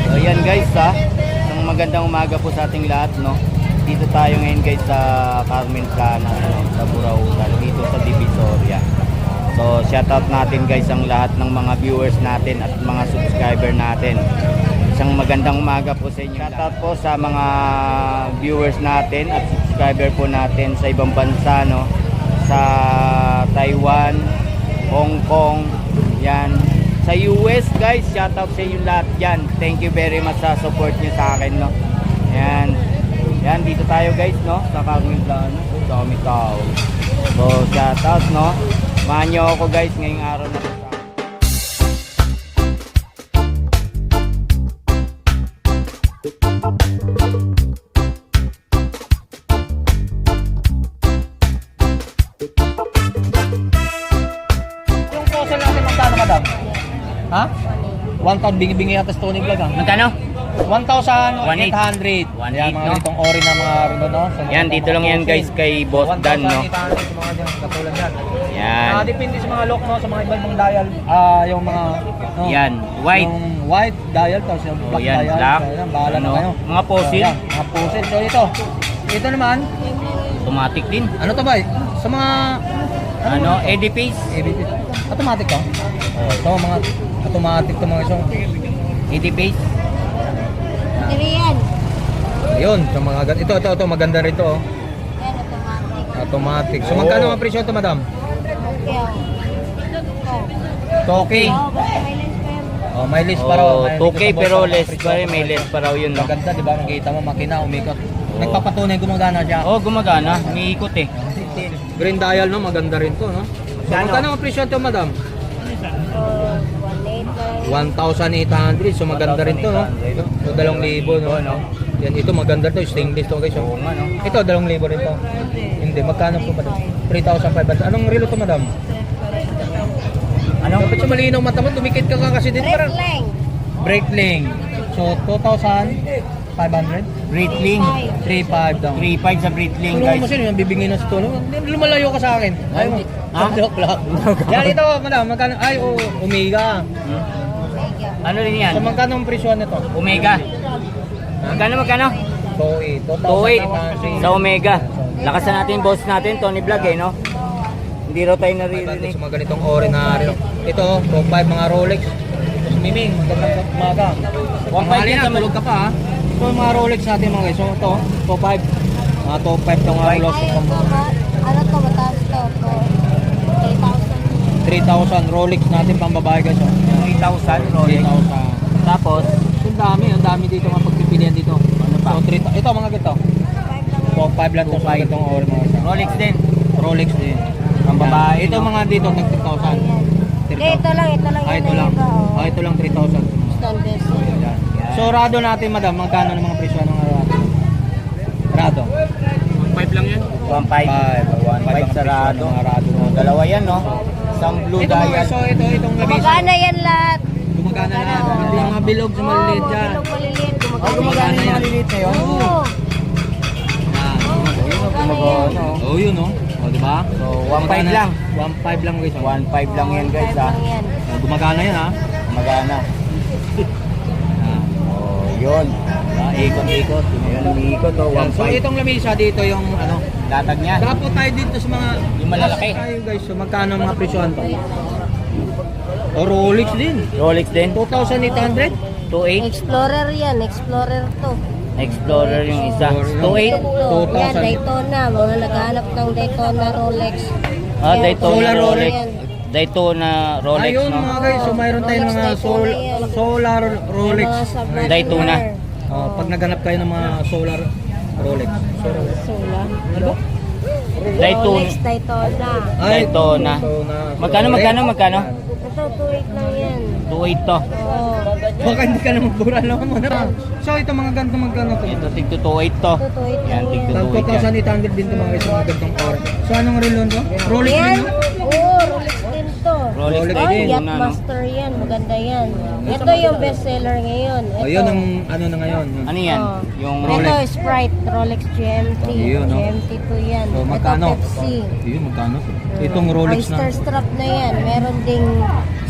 So yan guys ha, isang magandang umaga po sa ating lahat, no. Dito tayo ngayon guys sa Carmen Plana, no, sa Burautan, dito sa Divisoria. So shoutout natin guys ang lahat ng mga viewers natin at mga subscriber natin. Isang magandang umaga po sa inyo. Shoutout po sa mga viewers natin at subscriber po natin sa ibang bansa, no, sa Taiwan, Hong Kong, yan. Sa US guys, shoutout sa inyo lahat yan. Thank you very much sa support nyo sa akin, no. Yan. Yan, dito tayo guys, no, sa Carmen Plana. Dami tao. So shoutout, no. Samahan nyo ako guys ngayong araw na ito. Yung fossil natin magkano, madam? Ha? 1,000 bingi-bingi yata sa Tony Vlog, ha? Magkano? 1,800. 1,800, Yan, mga no? ganitong ori na mga rino, no? So, Yan, dito lang yan guys kay Boss Dan, no. 1,800 sa mga dyan, katulad yan. Yan. Depende sa mga lock, no? Sa mga iba-ibang dial. Yung mga, no? Yan, white. Yung white dial, tapos yung black yan, dial. black. So, yan, bahala na Ano? kayo. Mga fossil. So, yan, mga fossil. So, ito naman, Automatic din. ano to ba? Sa mga, Ano, Eddie Pace. ABP. Automatic to? So, mga automatic to mga isong. Eddie Pace. Yan. Ayun, sa mga ito maganda rito, oh. Yan, automatic. Automatic. So Oh. magkano ang presyo ito, madam? Okay. Toki. Oh, basta may lens pa yan. Oh, may list pa raw. Oh, May 2K dito sa pero boss, less presyo pa rin, ito, may mga less ito. pa raw yun, no. Maganda, di ba? Nakita mo, makina, umikot. Nagpapatunay, gumagana siya. Oh, gumagana, umiikot eh. Green dial, no? Maganda rin to, no? So, Magkano? magkano ang presyo ito, madam? So, 1.8 lang. 1,800. So maganda rin to, no? So 2,000, no? Yan, ito maganda to, stainless to, guys. Oo Oh. nga, no. Ito 2,000 rin to. Hindi, magkano po, madam? 3,500. Anong relo to, madam? Ano? Dapat siya malinaw mata mo, tumikit ka kasi dito. Brake lang. Brake link. So 2,500. Breitling. 3,500 daw. 3.5 sa Breitling Tulungan guys. mo sino yung bibingin na sa tulong. Lumalayo ka sa akin. Ayaw mo. Ha? Joke lang. Yan ito, madam. Magkano? Ay, Omega. Ano rin yan? So magkano ang presyo nito? Omega. Magkano? 2,800. 2.8 sa Omega. Lakasan natin yung boss natin, Tony Vlog eh, no? Hindi raw tayo naririnig. Sa mga ganitong ori na relo. Ito, top 5 mga Rolex. Miming, magandang umaga. 1.5 yan sa tulog ka pa, ha? So mga Rolex natin mga guys. So ito, top 5. Mga top 5 itong mga Rolex. Ay, ito, ano to, mataas to. 3,000 Rolex natin pang babae guys. 3,000 Rolex. 3,000. Tapos, Ang dami dito mga pagpipilian dito. Ano pa? So, ito mga ganito. 3,000. Top 5 lang to sa ganitong ori mga guys. Rolex din. Rolex din. Pang babae, Ito no? mga dito ng 3,000. Ayan. Hindi, ito lang Ah, yan. ito lang. Iba, oh. Ah, ito lang 3,000. Stone vessel. Yan. So, Rado natin, madam, magkano ng mga presyo ng Rado? 1.5 lang yan. 1.5. 1.5 sarado. Mga Rado. Dalawa yan, no? Isang blue Ito mga dial. so itong lamisa. Gumagana yan lahat. Gumagana na. Oo. Hindi mga bilog sa maliliit Oo, dyan. bilog maliliit. Oh, gumagana yung maliliit na yun. Oo. Yan. Oh, yun, no? O, di ba? So, 1.5 lang. 1.5 lang, guys. 1.5 lang yan guys, ha? Yan. Oh, gumagana yan, ha? Gumagana. Yan. Oh, yun. Ikot-ikot. Ayun, umiikot, oh. Yan. So, 1.5. itong lamisa dito yung, ano, Latag niya. dapat tayo dito sa mga Yung malalaki. tayo, guys. So, magkano ang mga presyohan to? O, Rolex din. Rolex din. 2,800. 2.8. Explorer yan. Explorer to. Explorer yung isa. Explorer. 2.8. To. Yan, 2,000. Daytona. Mga naghahanap ng Daytona Rolex. Ah, Yan, Daytona Solar Rolex. yan. Daytona Rolex, Ayun, no? mga guys. So, mayroon tayong Rolex, mga Daytona yan. solar Rolex. Mga submariner. Daytona. Pag naghanap kayo ng mga solar Rolex. Solar. Ano? Daytona. Rolex Daytona. Daytona. Magkano? Ito, 2.8 lang yan. 2.8 to. Oo. Baka hindi ka na magbura lang mo na. So ito mga ganito magkano to? Ito, tig 2.8 to. Ito, 2.8 Yan, lang tig yan. 2,800 din to mga guys, mga ganitong oras. So anong relon to? Rolex Yan. din, no? Oo, Rolex din to. Rolex Rolex din. Ay, Una, no? Yachtmaster yan. Maganda yan. Ito yung bestseller ngayon. Ito. Ayun ang ano na ngayon. Ano yan? Oh. Yung Ito, Sprite, Rolex GMT. Ayun, no? GMT2 yan. So magkano? Ito, Pepsi. Ayun, magkano? Itong Rolex Oyster na. strap na yan. Meron ding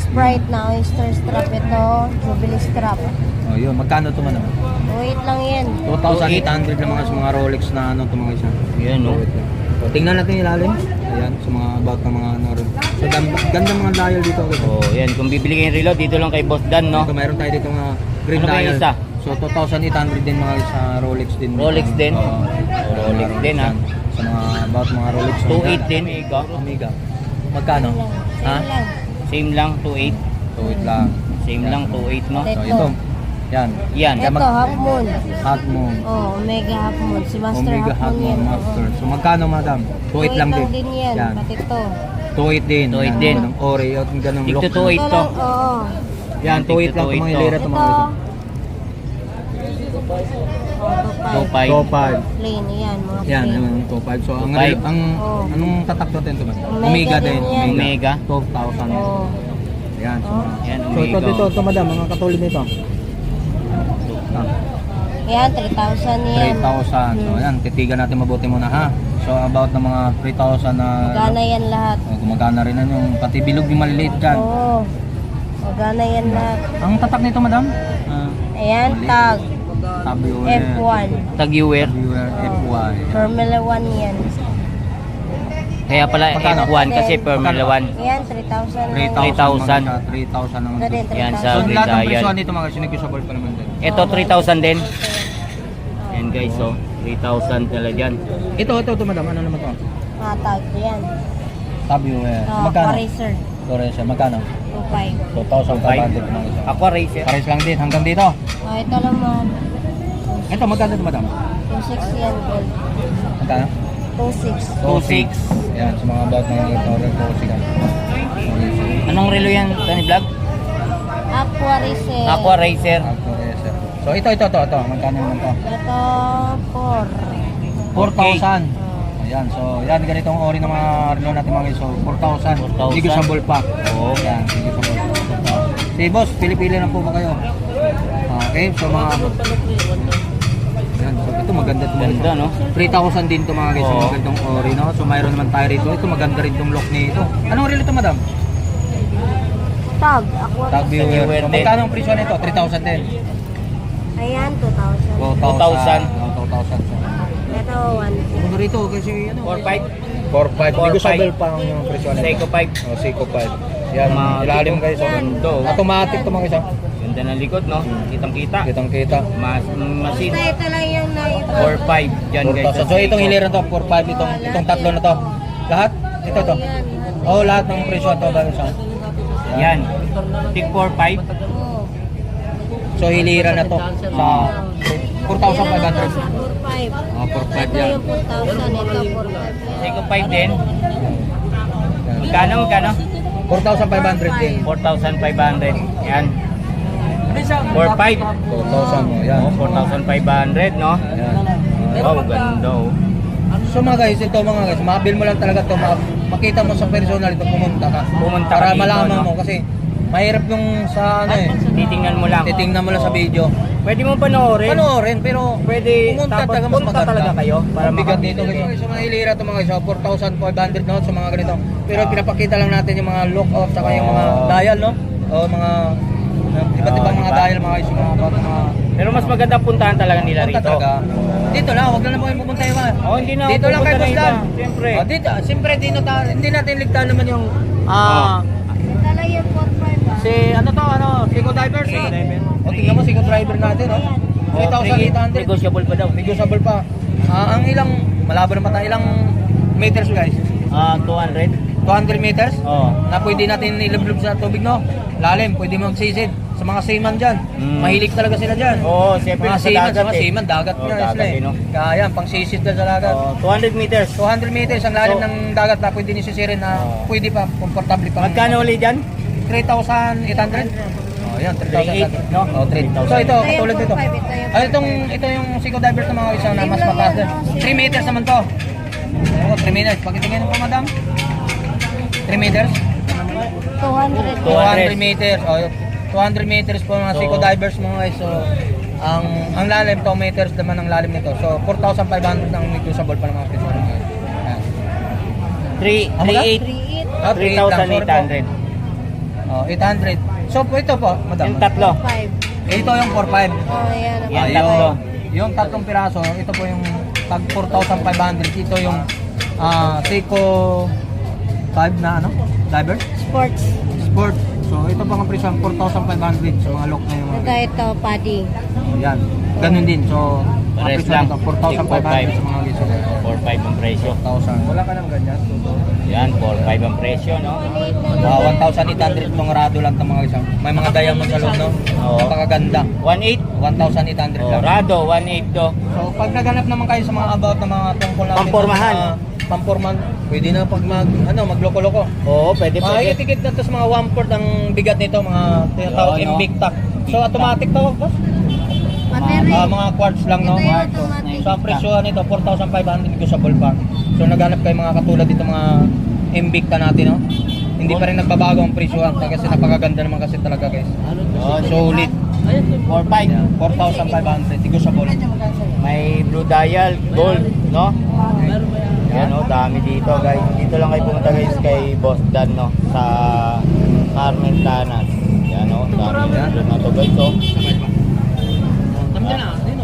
Sprite na oyster strap ito. Jubilee strap. Oh, yun. Magkano ito man? Wait lang yan. 2,800 lang mga sa mga Rolex na ano ito mga isa. Yan, no? So, tingnan natin yung ilalim. Ayan, sa mga about ng mga ano rin. So, ganda mga dial dito. Oh, yan. Kung bibili kayo ng relo, dito lang kay Boss Dan, no? Ito, mayroon tayo dito mga green Ano ba yung dial. isa? So, 2,800 din mga sa Rolex din. Rolex din? Oo. Rolex din, ha? Sa mga about mga Rolex. 2.8 din. Ikaw? Omega. Magkano? Ha? Same lang. Same lang, 2.8. 2.8 lang. Same lang, 2.8, no? So, ito. Yan. Yan. Ito, half moon. Half moon. Oh, Omega half moon. Si Master Omega half moon yan. Master. So, magkano madam? 2.8 lang din. yan. Yan. Pati ito. 2.8 din. 2.8 Yan, din. Ng Oreo. Yung ganong Tigto lock. 2.8 to. Oo. Yan, 2.8 lang itong mga ilera Ito. itong mga ito. 2.5. 2.5. Plain, yan. Mga Yan, plain. yung 2.5. So, ang 2.5. Oh. anong tatak natin ito man? Omega din yan. Omega. 12,000. Oh. Yan. So, Yan, so ito, Omega. ito, madam, mga katulad nito. Yan, 3,000 yan. 3,000. So, yan, titigan natin mabuti muna ha. So, about ng mga 3,000 na... Magana yan lahat. Gumagana rin yan yung pati bilog yung maliliit dyan. Oo. Magana yan lahat. Ang tatak nito, madam? Ayan, tag. Tabiwer. F1. Tag-viewer. Tabiwer FY. Formula 1 yan. Kaya pala Magkano? F1 kasi Formula 1. Yan, 3,000. 3,000. 3,000. 3,000 ang Ito din, Yan, 3,000. sa So, lahat ng Gridiron. presyo nito mga sinigusable pa naman din. Ito 3,000 din. Yan guys, oh. 3,000 talaga dyan. Ito, madam. Ano naman to? Tag. Yan. Tabiwer. Oh, Magkano? Racer. Torres, magkano? 2,500. 2,500 mga ito. Aqua Racer. Pares lang din hanggang dito. Oh, ito naman. Ito, magkano ito, madam? 2,600 yan, gold. Magkano? 2,600. 2.6. Yan, sa mga about ng Torres, 2,600. Anong relo yan, Tony Vlog? Aqua Racer. Aqua Racer. So, ito. Magkano naman to? Ito, 4. 4,000. Ayan, so yan ganitong ori ng mga relo natin mga guys. So 4,000. 4,000. Hindi ko sambol pa. Oo. Yan, hindi ko sambol pa. Si boss, pili-pili lang po ba kayo? Okay, so mga yan, so ito maganda ito. Ganda, no? 3,000 din to mga guys, Oo. yung magandang ori, no? So mayroon naman tayo rito. Ito maganda rin tong lock nito. Anong relo ito, madam? Tag. Aqua Tag Racer. viewer. viewer So, din. magkano ang presyo nito? 3,000 din. Ayan, 2,000. 2,000. 2,000. Ito, 1. Ano rito kasi ano? 4.5. 4,500. Hindi ko 4,500. sabel pa ang yung presyo nito. Seiko 5. Oh, Seiko 5. Yan, Mga ilalim dito. guys. Yan. Ito. Automatic to mga isa. Ganda ng likod, no? Kitang-kita. Kitang-kita. Machine. Ito lang yung naiba. 4.5 dyan guys. 4,000. So itong hiliran to, 4,500 itong tatlo na to. Lahat? Ito to. Yan. Oh, lahat ng presyo to guys. Yan. Tig 4.5. Oo. So hiliran na to sa 4,500. 4,500. Oh, 4,500 Ito yan. yung 4,000. Ito, 4,500. Seiko 5 din. Magkano? 4,500 din. 4,500. Yan. 4.5. 4,000 mo. Yan. Oh, 4,500, no? Yan. Oh, ganda, oh. So mga guys, ito mga guys, mabil mo lang talaga to, makita mo sa personal ito, pumunta ka. Pumunta ka para dito, malaman no? mo kasi mahirap yung sa ano eh. Titingnan mo lang. Titingnan mo lang sa Oo. video. Pwede mo panoorin. Panoorin, pero Pwede, pumunta tapos talaga mas punta maganda. talaga kayo para Ang bigat makabili. dito guys. So mga hilira to mga guys, so, 4,500 no sa mga ganito. Pero pinapakita lang natin yung mga lookout saka yung mga dial no. O mga iba't ibang mga diba? dial mga guys, yung mga Pero mas maganda puntahan talaga nila punta rito. talaga. Dito lang, huwag na po kayo pupunta iba. Oh, hindi na. Dito lang kayo pupunta na basta. iba. Siyempre. Oh, dito, siyempre hindi natin ligtaan naman yung Ito lang yung 4,500. si ano to, Seiko Divers. Seiko Diver. O tingnan mo Seiko Driver natin, oh. 3,800. Negotiable pa daw. Negotiable pa. Ang ilang malabo naman tayo, ilang meters guys? 200. 200 meters? Oh. Na pwede natin ilublob sa tubig, no? Lalim, pwede magsisid. Sa mga seaman dyan. Mm. Mahilig talaga sila dyan. Oo, siyempre Mga sa seaman, dagat mga eh. seaman, dagat Oo, nga dagat sila eh, no? Kaya yan, pang sisid na sa dagat. 200 meters. 200 meters ang lalim So, ng dagat na pwede nisisirin na pwede pa, komportable pa. Magkano ulit dyan? 3,800? Oh, yan, 3,800. 3,800, no? Oh, 3,000. So ito, Ito yung katulad nito. 4,500, Ito yung Seiko Divers na mga isa na mas mataas din. 3 meters naman to. Oh, 3 meters. Pakitingin po, madam. 3 meters? 200. 200 meters. Oh, 200 meters po mga So, Seiko Divers mga guys. So, ang lalim 2 meters naman ang lalim nito. So, 4,500 ang negotiable pa ng mga presyo. Ayan. 3,800. 3,800. Ah, 3,800. Oh, 800. So po ito po, madam. Yung tatlo. 5. Ito yung 45. Oh, yan. Yan, Ah, tatlo. yung tatlong piraso, ito po yung tag 4,500. Ito yung Seiko 5 na ano? Diver? Sports. Sport. So ito po ang presyo 4,500 sa mga lock na yung Ito, ito, paddy. yan. Ganun din. So ang Pares presyo lang. nito 4,500 sa mga giso. 4-5 ang presyo. 1,000. Wala ka nang ganyan. Yan, 4-5 ang presyo, no? 1,800 itong rado lang itong mga giso. May mga diamond sa loob, no? Oo. Napakaganda. 1.8. 1,800 Oh, lang. Rado, 1.8 to. So pag naghanap naman kayo sa mga about ng mga tungkol natin Pampormahan. sa mga pamporman, pwede na pag magloko-loko. Oo, pwede, pwede. Tikit na to sa mga 1/4 ang bigat nito, mga tinatawag Oo, no? Invicta. So automatic to, boss. Battery. Mga quartz lang, no? Ito yung automatic. So ang presyo nito 4,500 negotiable pa. So naghanap kayo mga katulad dito mga Invicta natin, no? Hindi pa rin nagbabago ang presyo kasi napakaganda naman kasi talaga, guys. Oh, Solid. 4.5. 4,500 negotiable. May blue dial, gold, no? Yan, oh, dami dito, guys. Dito lang kayo pumunta, guys, kay Boss Dan, no? Sa Carmen Planas. Yan, oh, dami dito na to, guys, oh. Tama na, dino.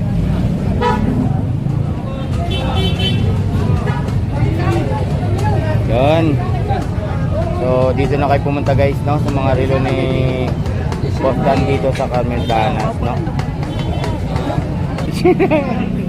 Yan. So, dito na kayo pumunta, guys, no? Sa mga relo ni Boss Dan dito sa Carmen Planas, no?